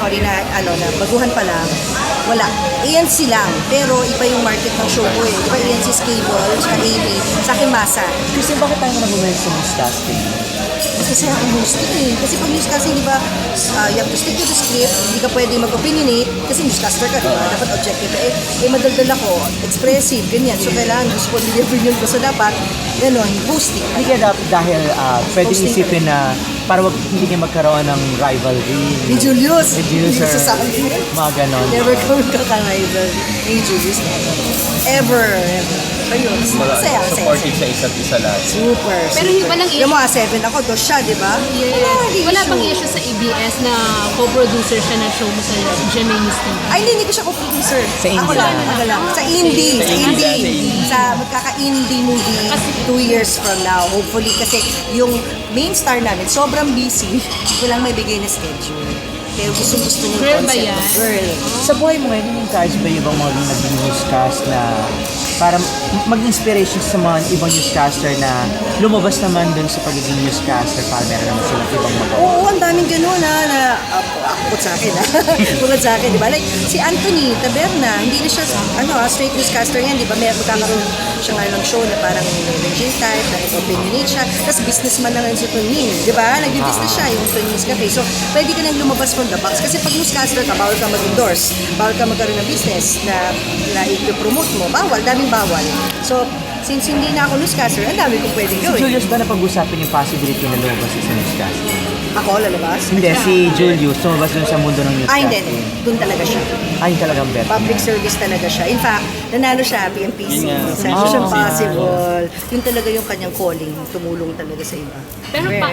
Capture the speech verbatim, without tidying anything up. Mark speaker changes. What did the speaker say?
Speaker 1: sorry na, ano, na baguhan pa lang, wala. A N C lang, pero iba yung market ng show ko eh. Iba A N C's cable, tsaka A B, sa akin masa.
Speaker 2: Kasi bakit tayo nag-work sa newscasting?
Speaker 1: Kasi ako hosting eh. Kasi pag newscasting, di ba, uh, you have to stick to the script, hindi ka pwede mag-opinionate, kasi newscaster ka, di ba? Dapat objective ka. Eh, eh, madaldal ako, expressive, ganyan. So, kailangan gusto ko yung opinion ko. So, dapat, gano'n, hosting.
Speaker 2: Hindi kaya dapat dahil uh, pwedeng
Speaker 1: Hosting
Speaker 2: isipin na para wag, hindi kayo magkaroon ng rivalry.
Speaker 1: Ni Julius.
Speaker 2: Ni Julius
Speaker 1: Hindi
Speaker 2: or
Speaker 1: sa sabi.
Speaker 2: mga ganon.
Speaker 1: Never kami kakarival ni Julius. Ever, ever. Ayun,
Speaker 3: Wala,
Speaker 1: masaya, masaya.
Speaker 3: supportive sa isa't isa lahat.
Speaker 1: Super,
Speaker 4: Pero
Speaker 1: super.
Speaker 4: walang
Speaker 1: Yung mga seven ako, dos siya, di ba?
Speaker 4: Yes.
Speaker 1: Wala, di
Speaker 4: Wala
Speaker 1: issue.
Speaker 4: bang issue sa A B S na co-producer siya ng show mo sa Gemini's T V?
Speaker 1: Ay, hindi, hindi ko siya co-producer.
Speaker 2: Sa indie
Speaker 1: Ako lang,
Speaker 2: lang.
Speaker 1: ako lang. Sa indie, sa
Speaker 3: Sa indie,
Speaker 1: indie.
Speaker 3: sa indie.
Speaker 1: Sa magkaka-indie movie, two years from now, hopefully. Kasi yung main star namin, sobrang busy. Walang may bigay na schedule. Pero gusto gusto mo
Speaker 4: Girl ba yan?
Speaker 1: Girl.
Speaker 2: Sa buhay mo ngayon, encourage ba yung ibang mga naging newscast na para mag-inspiration sa mga ibang newscaster na lumabas naman dun sa pagiging newscaster para meron naman silang ibang magawa?
Speaker 1: Oo, ang daming gano'n na, na uh, bukod sa akin, ha? Bukod sa akin, di ba? Like, si Anthony Taberna, hindi na siya, ano, ah, straight newscaster yan, di ba? May magkakaroon siya nga ng show na parang ranging type, na opinionate siya, tapos businessman na rin si Tonin, di ba? Nag-business siya, yung Tonin's Cafe. So, pwede ka nang lumabas from the box, kasi pag newscaster ka, bawal ka mag-endorse, bawal ka magkaroon ng business na, na i-promote mo, bawal, daming bawal. So, since hindi na ako newscaster, ang dami kong pwedeng
Speaker 2: Si
Speaker 1: gawin.
Speaker 2: Julius ba napag-usapin yung possibility na lumabas sa newscasting?
Speaker 1: Ako, lalabas?
Speaker 2: Hindi, si Julius lumabas dun sa mundo ng
Speaker 1: Ah, hindi,
Speaker 2: newscasting.
Speaker 1: hindi. Doon talaga siya.
Speaker 2: Ay, talagang bet.
Speaker 1: Public service talaga siya. In fact, nanalo siya P M P C
Speaker 3: Yun nga.
Speaker 1: sa
Speaker 2: Oh.
Speaker 1: Mission Possible. Yun talaga yung kanyang calling, tumulong talaga sa iba.
Speaker 4: Pero pa,